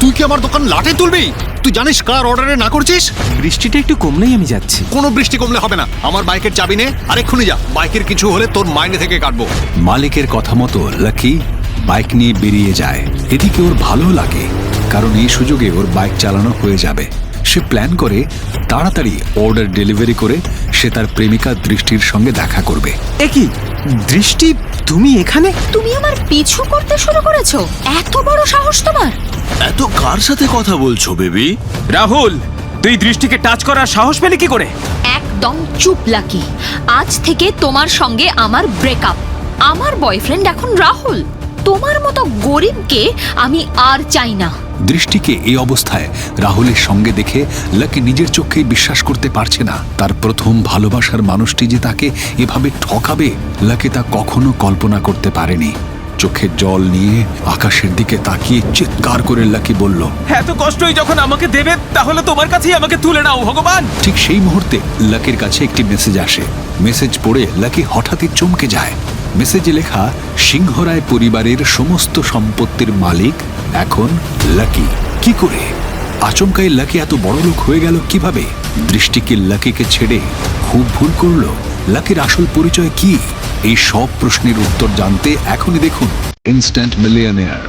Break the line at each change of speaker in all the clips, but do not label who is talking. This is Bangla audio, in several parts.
তুই কি আমার দোকান লাটে তুলবি? তুই জানিস কার অর্ডারে না করছিস?
বৃষ্টিটা একটু কমলেই আমি যাচ্ছি।
কোনো বৃষ্টি কমলে হবে না। আমার বাইকের চাবি নে, আর এক্ষুনি যা। বাইকের কিছু হলে তোর মাইনে থেকে কাটবো।
মালিকের কথা মতো লাকি বাইক নিয়ে বেরিয়ে যায়। এদিকে ওর ভালো লাগে, কারণ এই সুযোগে ওর বাইক চালানো হয়ে যাবে। সে প্ল্যান করে তাড়াতাড়ি অর্ডার ডেলিভারি করে সে তার প্রেমিকা দৃষ্টির সঙ্গে দেখা করবে।
কি দৃষ্টি, তুমি এখানে?
তুমি আমার পিছু করতে শুরু করেছো? এত বড় সাহস তোমার!
এত কার সাথে কথা বলছো বেবি?
রাহুল, তুই দৃষ্টিকে টাচ করার সাহস পেলি কি করে?
একদম চুপ লাকি। আজ থেকে তোমার সঙ্গে আমার ব্রেকআপ। আমার বয়ফ্রেন্ড এখন রাহুল। তোমার মতো গরিবকে আমি আর চাই না।
দৃষ্টিকে এই অবস্থায় রাহুলের সঙ্গে দেখে লাকি নিজের চোখেই বিশ্বাস করতে পারছে না। তার প্রথম ভালোবাসার মানুষটি যে তাকে এভাবে ঠকাবে, লাকি তা কখনো কল্পনা করতে পারেনি। চোখের জল নিয়ে আকাশের দিকে তাকিয়ে চিৎকার করে লাকি বলল,
এত কষ্টই যখন আমাকে দেবে, তাহলে তোমার কাছেই আমাকে তুলে নাও ভগবান।
ঠিক সেই মুহূর্তে লাকির কাছে একটি মেসেজ আসে। মেসেজ পড়ে লাকি হঠাৎই চমকে যায়। মেসেজে লেখা, সিংহরায় পরিবারের সমস্ত সম্পত্তির মালিক এখন লাকি। কি করে? আচমকাই লাকি এত বড় লোক হয়ে গেল কিভাবে? দৃষ্টিকে লাকিকে ছেড়ে খুব ভুল করলো। লাকির আসল পরিচয় কি? এই সব প্রশ্নের উত্তর জানতে এখনই দেখুন ইনস্ট্যান্ট মিলিয়নেয়ার।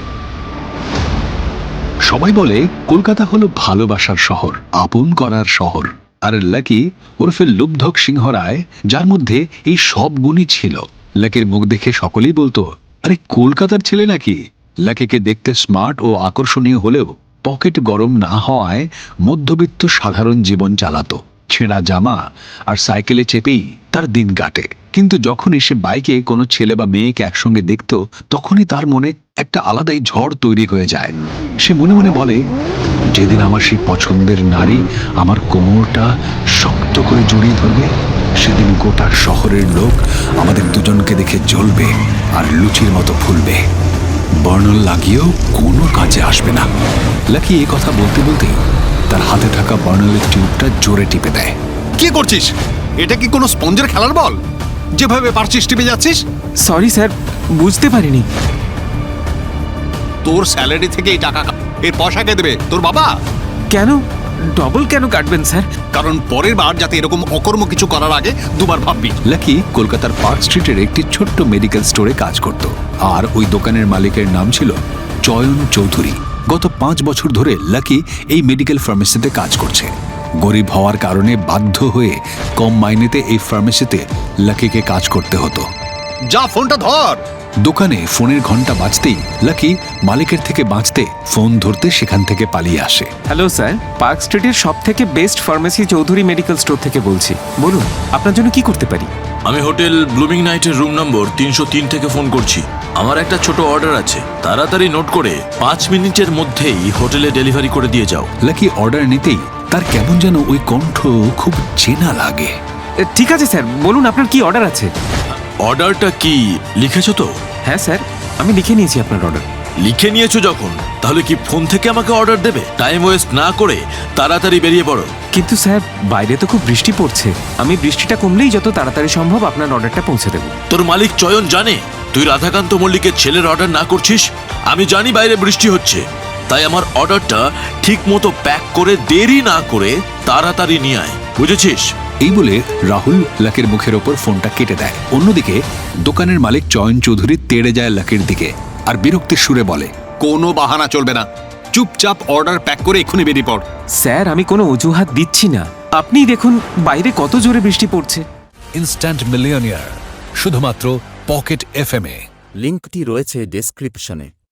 সবাই বলে কলকাতা হলো ভালোবাসার শহর, আপন করার শহর। আর লাকি ওরফে লুব্ধক সিংহ রায়, যার মধ্যে এই সব গুণই ছিল। লাকির মুখ দেখে সকলেই বলতো, আরে কলকাতার ছেলে নাকি? লাকিকে দেখতে স্মার্ট ও আকর্ষণীয় হলেও পকেট গরম না হওয়ায় মধ্যবিত্ত সাধারণ জীবন চালাতো। ছেঁড়া জামা আর সাইকেলে চেপেই তার দিন কাটে। কিন্তু যখনই সে বাইকে কোনো ছেলে বা মেয়েকে একসঙ্গে দেখত, তখনই তার মনে একটা আলাদাই ঝড় তৈরি হয়ে যায়। সে মনে মনে বলে, যেদিন আমার সেই পছন্দের নারী আমার কোমরটা শক্ত করে জড়িয়ে ধরবে, সেদিন গোটা শহরের লোক আমাদের দুজনকে দেখে জ্বলবে আর লুচির মতো ফুলবে। বর্ণল লাগিয়েও কোনো কাজে আসবে না। লাকি এই কথা বলতে বলতেই তার হাতে থাকা বর্ণলের টিউবটা জোরে টিপে দেয়।
কি করছিস? এটা কি কোনো স্পঞ্জের খেলার বল? যেভাবে পারছিস টিপে যাচ্ছিস।
সরি স্যার, বুঝতে পারিনি।
তোর স্যালারি থেকে এই টাকা এর পয়সা কে দেবে? তোর বাবা।
কেন ডবল কেন কাটবেন স্যার?
কারণ পরের বার যাতে এরকম অকর্ম কিছু করার আগে দুবার ভাববি।
লাকি কলকাতার পার্ক স্ট্রিটের একটি ছোট্ট মেডিকেল স্টোরে কাজ করত, আর ওই দোকানের মালিকের নাম ছিল চয়ন চৌধুরী। গত 5 বছর ধরে লাকি এই মেডিকেল ফার্মেসিতে কাজ করছে। গরিব হওয়ার কারণে বাধ্য হয়ে কম মাইনেতে এই ফার্মেসিতে লাকিকে কাজ করতে হতো।
যা, ফোনটা ধর।
দোকানে ফোনের ঘন্টা বাজতেই লাকি মালিকের থেকে বাঁচতে ফোন ধরতে সেখান থেকে পালিয়ে আসে।
হ্যালো স্যার, পার্ক স্ট্রিটের সব থেকে best pharmacy Chowdhury medical store থেকে বলছি। বলুন, আপনার জন্য কি করতে পারি?
আমি হোটেল ব্লুমিং নাইটের রুম নম্বর 303 থেকে ফোন করছি। আমার একটা ছোট অর্ডার আছে, তাড়াতাড়ি নোট করে 5 মিনিটের মধ্যেই হোটেলে ডেলিভারি করে দিয়ে যাও।
লাকি অর্ডার নিতেই তার কেমন যেন ওই কণ্ঠ খুব চেনা লাগে।
ঠিক আছে স্যার, বলুন আপনার কি অর্ডার আছে।
অর্ডারটা কি লিখেছো তো?
হ্যাঁ স্যার, আমি লিখে নিয়েছি আপনার অর্ডার।
লিখে নিয়েছো যখন, তাহলে কি ফোন থেকে আমাকে অর্ডার দেবে? টাইম ওয়েস্ট না করে তাড়াতাড়ি বেরিয়ে পড়ো।
কিন্তু স্যার, বাইরে তো খুব বৃষ্টি পড়ছে। আমি বৃষ্টিটা কমলেই যত তাড়াতাড়ি সম্ভব আপনার অর্ডারটা পৌঁছে দেব।
তোর মালিক চয়ন জানে তুই রাধাকান্ত মল্লিকের ছেলের অর্ডার না করছিস? আমি জানি বাইরে বৃষ্টি হচ্ছে, তাই আমার অর্ডারটা ঠিক মতো প্যাক করে দেরি না করে তাড়াতাড়ি নিয়ে আয়, বুঝেছিস?
এই বলে রাহুল লাকির মুখের ওপর ফোনটা কেটে দেয়। অন্যদিকে দোকানের মালিক চয়ন চৌধুরী তেড়ে যায় লাকির দিকে আর বিরক্তির সুরে বলে,
কোনো বাহানা চলবে না। চুপচাপ অর্ডার প্যাক করে এক্ষুনি বেরিয়ে পড়।
স্যার, আমি কোনো অজুহাত দিচ্ছি না। আপনিই দেখুন বাইরে কত জোরে বৃষ্টি পড়ছে।
ইনস্ট্যান্ট মিলিয়নিয়ার শুধুমাত্র পকেট এফএম এ।
লিঙ্কটি রয়েছে ডেসক্রিপশনে।